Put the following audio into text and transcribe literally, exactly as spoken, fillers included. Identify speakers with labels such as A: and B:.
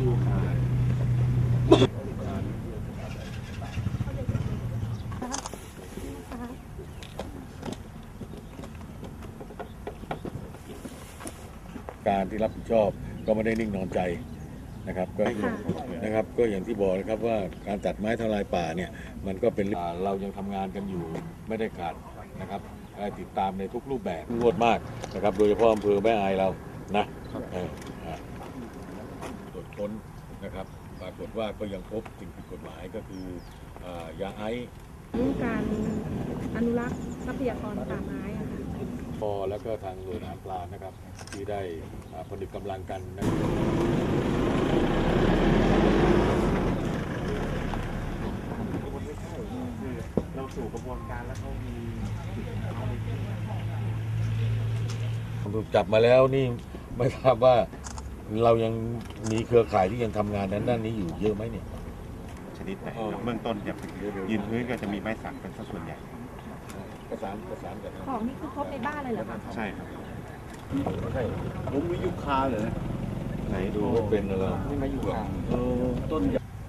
A: ว
B: การที่รับผิดชอบก็ไม่ได้นิ่งนอนใจนะครับก็นะครับก็อย่างที่บอกนะครับว่าการตัดไม้ทลายป่าเนี่ยมันก็เป็นเรายังทำงานกันอยู่ไม่ได้ขาดนะครับติดตามในทุกรูปแบบรวดมากนะครับโดยเฉพาะอำเภอแม่อายเรานะตรวจค้นนะครับปรากฏว่าก็ยังพบสิ่งผิดกฎหมายก็คือยาไอซ์
C: เรื่องการอนุรักษ์ทรัพยากรป่าไม้อะค่ะ
B: พอแล้วก็ทางหน่วยงานปลานะครับที่ได้ผนึกกำลังกันนะ
A: เราสู่กระบวนการแล้วเขามี
B: ถูกจับมาแล้วนี่ไม่ทราบว่าเรายังมีเครือข่ายที่ยังทำงานนั้นด้านนี้อยู่เยอะไหมเนี่ย
D: ชนิดไหนเบื้องต้นจะยืนพื้นก็จะมีไม้สักเป็นส่วนใหญ่
B: ประสานประสานกัน
C: ของนี่คือครบในบ้านเลยเหรอคะ
D: ใช่ครับ
B: ใช่
A: ผมมียุคาเลย
B: ไหนดูว่าเป็นอะไร
A: นี่มาอยู่ต้น